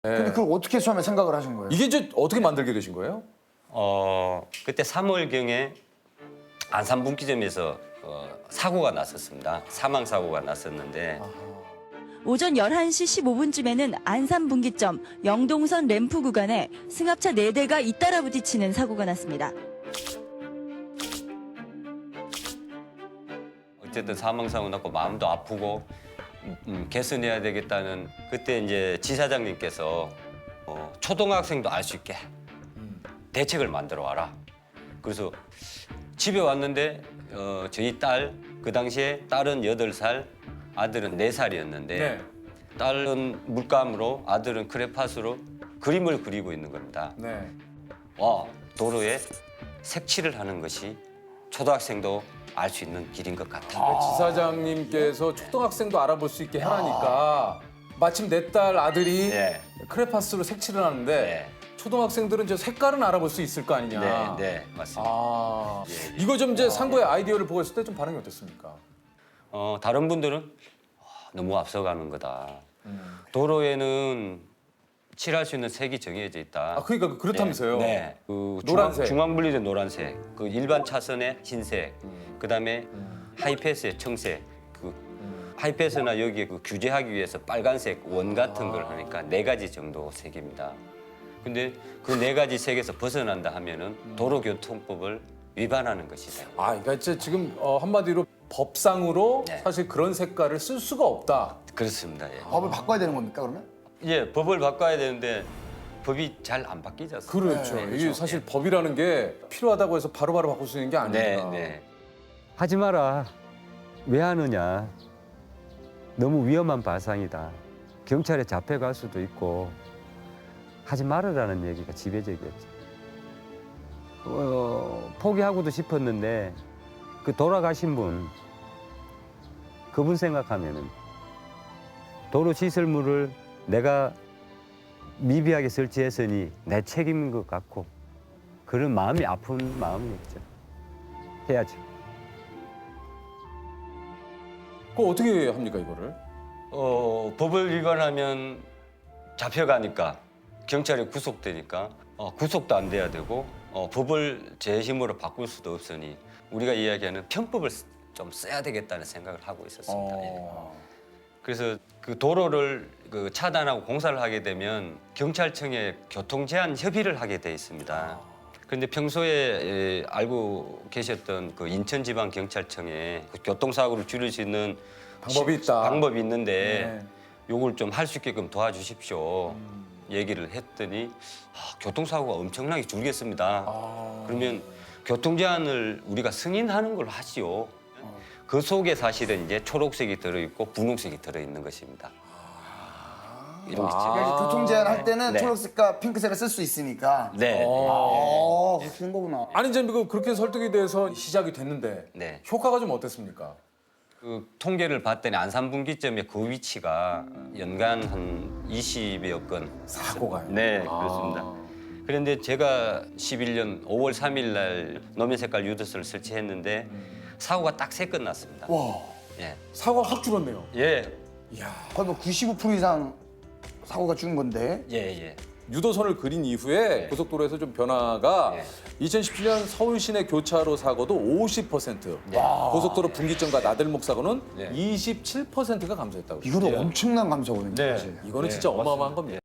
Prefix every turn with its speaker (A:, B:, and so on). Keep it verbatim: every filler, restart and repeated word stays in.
A: 근데 그걸 어떻게 처음에 생각을 하신 거예요?
B: 이게 이제 어떻게 만들게 되신 거예요?
C: 어 그때 삼월경에 안산 분기점에서 어, 사고가 났었습니다. 사망 사고가 났었는데
D: 오전 열한 시 십오 분쯤에는 안산 분기점 영동선 램프 구간에 승합차 네 대가 잇따라 부딪히는 사고가 났습니다.
C: 어쨌든 사망 사고 났고 마음도 아프고 음, 음, 개선해야 되겠다는 그때 이제 지사장님께서 어, 초등학생도 알 수 있게 대책을 만들어 와라. 그래서 집에 왔는데 어, 저희 딸 그 당시에 딸은 여덟 살, 아들은 네 살이었는데
B: 네.
C: 딸은 물감으로 아들은 크레파스로 그림을 그리고 있는 겁니다.
B: 네.
C: 와, 도로에 색칠을 하는 것이 초등학생도 알 수 있는 길인 것 같다.
B: 지사장님께서 초등학생도 알아볼 수 있게 하라니까 마침 내 딸 아들이
C: 네.
B: 크레파스로 색칠을 하는데
C: 네.
B: 초등학생들은 저 색깔은 알아볼 수 있을 거 아니냐.
C: 네, 네, 맞습니다.
B: 아,
C: 예, 예.
B: 이거 좀 이제 상구의 아이디어를 보고 있을 때 좀 반응이 어땠습니까?
C: 어, 다른 분들은 와, 너무 앞서가는 거다.
B: 음.
C: 도로에는 칠할 수 있는 색이 정해져 있다.
B: 아, 그러니까 그렇다면서요.
C: 네. 네. 그
B: 노란색.
C: 중앙 분리된 노란색, 그 일반 차선의 흰색,
B: 음.
C: 그다음에 하이패스의 청색, 그 하이패스나 여기에 그 규제하기 위해서 빨간색 원 같은 걸 하니까 네 가지 정도 색입니다. 근데 그 네 가지 색에서 벗어난다 하면은 도로교통법을 위반하는 것이다.
B: 아, 그러니까 이제 지금 어, 한마디로 법상으로
C: 네.
B: 사실 그런 색깔을 쓸 수가 없다.
C: 그렇습니다. 예.
A: 법을 바꿔야 되는 겁니까 그러면?
C: 예, 법을 바꿔야 되는데 법이 잘 안 바뀌지 않습니까?
B: 그렇죠.
A: 네,
B: 이게 사실 법이라는 게 필요하다고 해서 바로바로 바꿀 수 있는 게
C: 네,
B: 아니니까.
C: 네.
E: 하지 마라. 왜 하느냐. 너무 위험한 발상이다. 경찰에 잡혀갈 수도 있고 하지 말으라는 얘기가 지배적이었죠. 어, 포기하고도 싶었는데 그 돌아가신 분 그분 생각하면은 도로 시설물을 내가 미비하게 설치했으니 내 책임인 것 같고 그런 마음이 아픈 마음이었죠. 해야죠.
B: 그거 어떻게 합니까 이거를?
C: 어, 법을 위반하면 잡혀가니까 경찰에 구속되니까 어, 구속도 안 돼야 되고 어, 법을 제 힘으로 바꿀 수도 없으니 우리가 이야기하는 편법을 쓰- 좀 써야 되겠다는 생각을 하고 있었습니다. 예.
B: 어...
C: 그래서 그 도로를 그 차단하고 공사를 하게 되면 경찰청에 교통 제한 협의를 하게 돼 있습니다. 그런데 평소에 예, 알고 계셨던 그 인천지방경찰청에 그 교통사고를 줄일 수 있는
B: 방법이
C: 시-
B: 있다.
C: 방법이 있는데
B: 네.
C: 요걸 좀 할 수 있게끔 도와주십시오. 얘기를 했더니 아, 교통사고가 엄청나게 줄겠습니다.
B: 아...
C: 그러면 교통 제한을 우리가 승인하는 걸로 하지요. 그 속에 사실은 이제 초록색이 들어있고 분홍색이 들어있는 것입니다. 이런 게
B: 아.
A: 그러니까 교통 제한 할 때는
C: 네.
A: 초록색과 핑크색을 쓸 수 있으니까.
C: 네.
A: 어, 그런 거구나.
B: 아니 이제 그 그렇게 설득이 돼서 시작이 됐는데
C: 네.
B: 효과가 좀 어땠습니까?
C: 그 통계를 봤더니 안산 분기점의 그 위치가 연간 한 이십여 건.
B: 사고가요.
C: 네,
B: 아.
C: 그렇습니다. 그런데 제가 십일 년 오월 삼일 날 노면 색깔 유도선을 설치했는데 사고가 딱 세 건 났습니다.
A: 와,
C: 예.
B: 사고가 확 줄었네요.
C: 예.
B: 이야.
A: 거의 뭐 구십오 퍼센트 이상 사고가 준 건데.
C: 예, 예.
B: 유도선을 그린 이후에
C: 네.
B: 고속도로에서 좀 변화가
C: 네.
B: 이천십칠 년 서울 시내 교차로 사고도 오십 퍼센트, 고속도로 분기점과 나들목 사고는
C: 네.
B: 이십칠 퍼센트가 감소했다고.
A: 이거는
B: 예.
A: 엄청난 감소거든요.
C: 네.
A: 사실.
B: 이거는
C: 네,
B: 진짜 어마어마한
C: 맞습니다.
B: 겁니다.